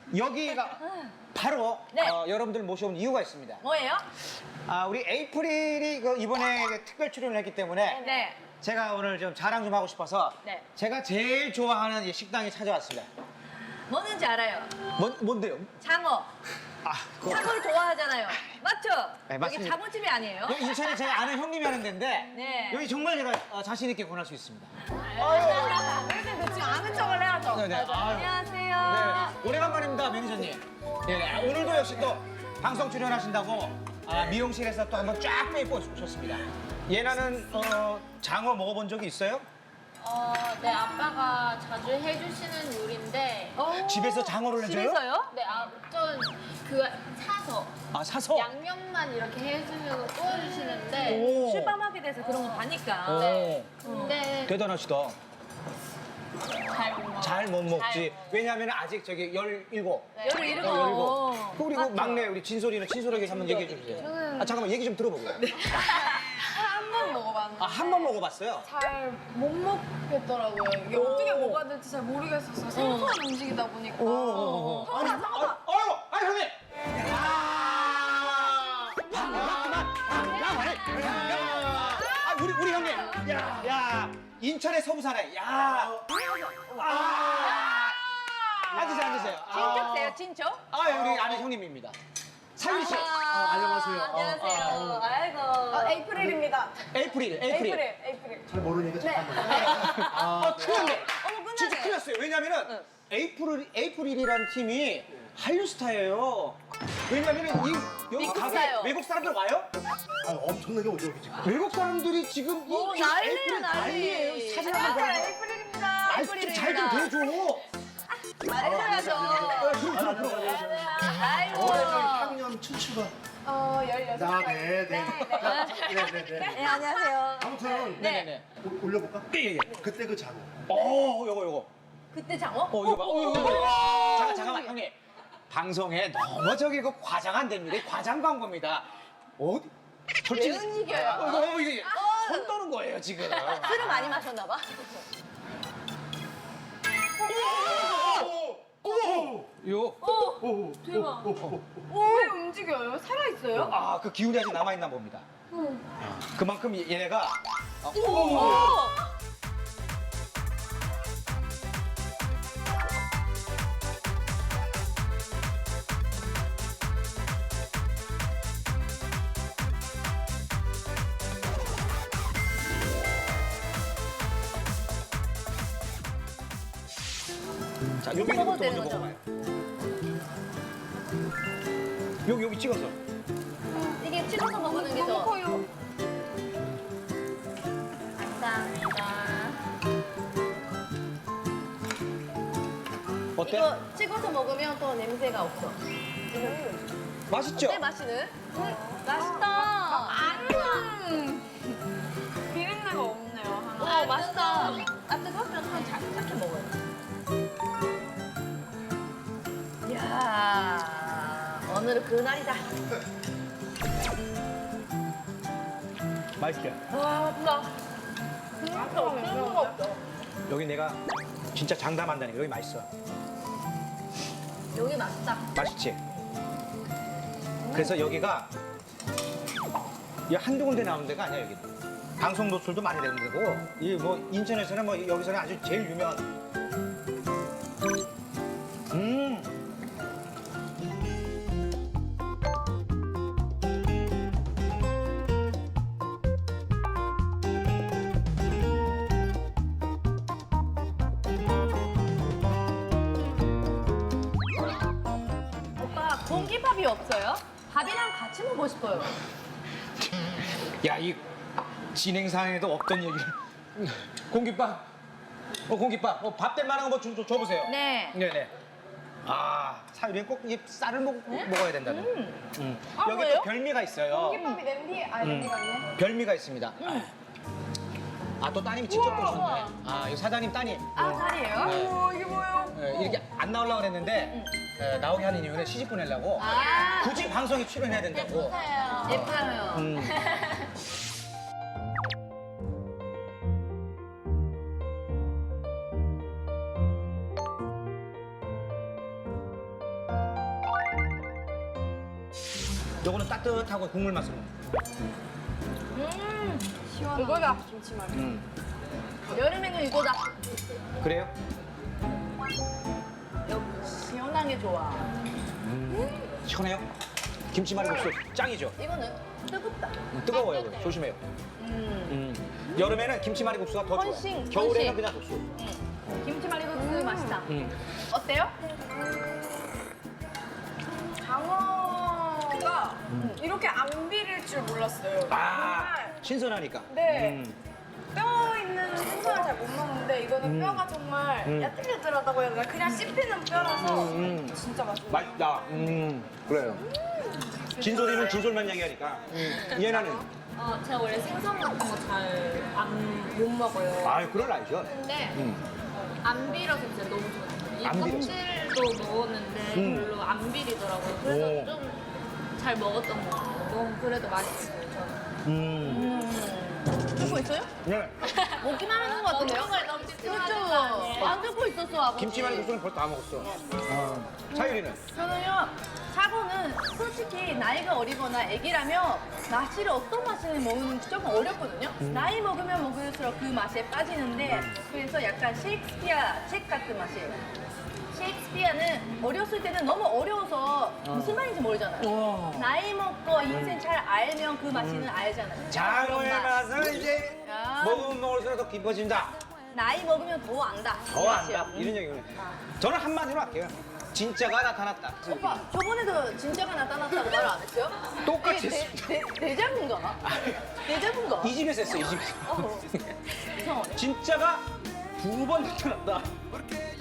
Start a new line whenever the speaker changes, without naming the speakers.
여기가 바로
네.
여러분들 모셔온 이유가 있습니다.
뭐예요?
우리 에이프릴이 이번에 특별 출연을 했기 때문에
네.
제가 오늘 좀 자랑 좀 하고 싶어서
네.
제가 제일 좋아하는 이 식당에 찾아왔습니다.
뭐는지 알아요?
뭔데요?
장어.
그거.
장어를 좋아하잖아요. 맞죠?
네,
여기
맞습니다.
자본집이 아니에요?
여기 인천에 제가 아는 형님이 하는 데인데
네.
여기 정말 제가 자신 있게 권할 수 있습니다.
그래도 지금 아는 척을 해야죠.
네, 네. 아유.
안녕하세요.
네, 오래간만입니다, 매니저님. 네, 오늘도 역시 또 방송 출연하신다고 미용실에서 또 한번 쫙 빼입고 오셨습니다. 예나는 장어 먹어본 적이 있어요?
네, 아빠가 자주 해주시는 요리인데,
집에서 장어를 해줘요?
집에서요?
네, 전 그 사서
사서?
양념만 이렇게 해주시고 구워주시는데,
오.
실밥하게 돼서 그런 거 봐니까.
오.
근데
대단하시다.
잘 못 먹어요.
잘 못 먹지.
잘 못
왜냐하면 아직 저기 17.
네.
열을 잃고.
열일곱. 그리고 막내 우리 진솔이는 친솔하게 한번 얘기해 주세요. 잠깐만 얘기 좀 들어보고요.
한 번 먹어봤는데.
한 번 먹어봤어요?
잘 못 먹겠더라고요. 이게 어떻게 먹어야 될지 잘 모르겠었어요. 생소한 음식이다 보니까.
아니 형님. 우리 형님. 야, 인천의 서부 사나이. 앉으세요.
친척세요, 친척?
우리 아는 형님입니다. 사유 씨.
안녕하세요. 안녕하세요. 아이고.
에이프릴입니다.
에이프릴.
잘 모르니까 잠깐만.
큰일 났네.
어머,
진짜
끝나네.
큰일 났어요. 왜냐면은 에이프릴이라는 팀이 한류 스타예요. 왜냐면은 여기
미국
가게
스타요.
외국 사람들 와요?
엄청나게 오죠 여기 지금.
외국 사람들이 지금
난리야,
에이프릴
난리.
난리예요. 사진 한번 보여줘.
에이프릴입니다.
잘좀 대줘.
말해줘야죠.
그럼.
아이고.
올해 저희 학년 추추가.
16살.
네네.
네, 안녕하세요.
아무튼
네네네.
올려볼까?
예.
그때 그 장어.
요거.
그때 장어?
이거 봐. 잠깐만 형님. 방송에 너무 저기 과장 안 됩니다. 이 과장 광고입니다. 어디? 솔직히.
왜 움직여요?
이게 손 떠는 거예요 지금.
술을 많이 마셨나 봐.
요.
대박. 왜 움직여요? 살아있어요?
그 기운이 아직 남아 있나 봅니다. 그만큼 얘네가 자, 여기
먹어도
먼저
되는 거죠?
먹어봐요. 여기 찍어서.
이게 찍어서 먹는 게 더.
커요.
감사합니다.
어때?
이거 찍어서 먹으면 또 냄새가 없어.
맛있죠?
어때, 맛이는? 맛있다.
비린내가 없네요. 하나.
맛있다. 뜨거우면 한 작게 먹어요. 이야, 오늘은 그날이다.
맛있게.
와, 맛있다. 진짜 없는 거 없어.
여기 내가 진짜 장담한다니까 여기 맛있어.
여기 맛있다.
맛있지? 그래서 여기가 이 한두 군데 나오는 데가 아니야 여기. 방송 노출도 많이 되는 데고 이 뭐 인천에서는 뭐 여기서는 아주 제일 유명한.
오빠, 공깃밥이 없어요? 밥이랑 같이 먹고 싶어요.
야, 이 진행상에도 없던 얘기를. 공깃밥. 공깃밥. 밥 될 만한 거 뭐 줘보세요.
네.
네네. 사유리는 꼭 이 쌀을 먹어야 된다는. 여기
뭐예요?
또 별미가 있어요.
김밥이 냄비? 냄비가 있네.
별미가 있습니다. 또 따님이 직접 보셨네. 이 사장님 따님.
살이에요?
네.
이게 뭐예요?
이렇게 안 나오려고 그랬는데 나오게 하는 이유는 시집 보내려고 굳이 방송에 출연해야 된다고.
예뻐요.
요거는 따뜻하고 국물 맛으로.
시원한
이거다.
김치말이.
여름에는 이거다.
그래요?
시원한 게 좋아.
시원해요? 김치말이국수 짱이죠?
이거는 뜨겁다.
뜨거워요. 그거. 조심해요. 여름에는 김치말이국수가 더 좋아요.
헌신,
겨울에는
헌신.
그냥 국수.
김치말이국수 맛있다.
어때요? 장어가 이렇게 안 비릴 줄 몰랐어요.
아,
정말
신선하니까.
네. 뼈 있는 생선을 잘 못 먹는데 이거는 뼈가 정말 야들야들하다고 해야 되나? 그냥 씹히는 뼈라서 진짜 맛있어요.
맛있다. 그래요. 진솔이는 진솔만 얘기하니까. 얘나는.
제가 원래 생선 같은 거 잘 못 먹어요.
아유, 그럴 나이죠.
근데
음.
안 비려서 진짜 너무 좋아요. 이
안 비려서?
껍질도 먹었는데 별로 안 비리더라고요. 그래서
오.
좀 잘 먹었던 것 같아요. 너무 그래도 맛있어요, 저는.
듣고 있어요?
네.
먹기만 하는 것 같은데요?
먹는 걸 너무 집중하는 거
그렇죠.
아니에요?
안 듣고 있었어, 아버지.
김치말이국수는 벌써 다 먹었어. 사유리는?
저는요, 사고는 솔직히 나이가 어리거나 애기라면 맛을 어떤 맛을 먹는 게 조금 어렵거든요. 나이 먹으면 먹을수록 그 맛에 빠지는데 그래서 약간 셰익스피어 책 같은 맛이에요. 셰익스피어는 어렸을 때는 너무 어려워서 무슨 말인지 모르잖아요. 나이 먹고 인생 잘 알면 그 맛이는 알잖아요.
장어의
그런 맛.
맛을 이제
야.
먹으면 먹을수록 더 깊어진다.
나이 먹으면 더 안다.
더 안다. 이런 얘기는. 저는 한마디로 할게요. 진짜가 나타났다.
오빠, 저번에도 진짜가 나타났다고 말 안 했어요?
똑같이
이게
했습니다.
대자분가? 대자분가?
이 집에서 했어요, 이 집에서.
이상하네.
진짜가 두 번 나타났다.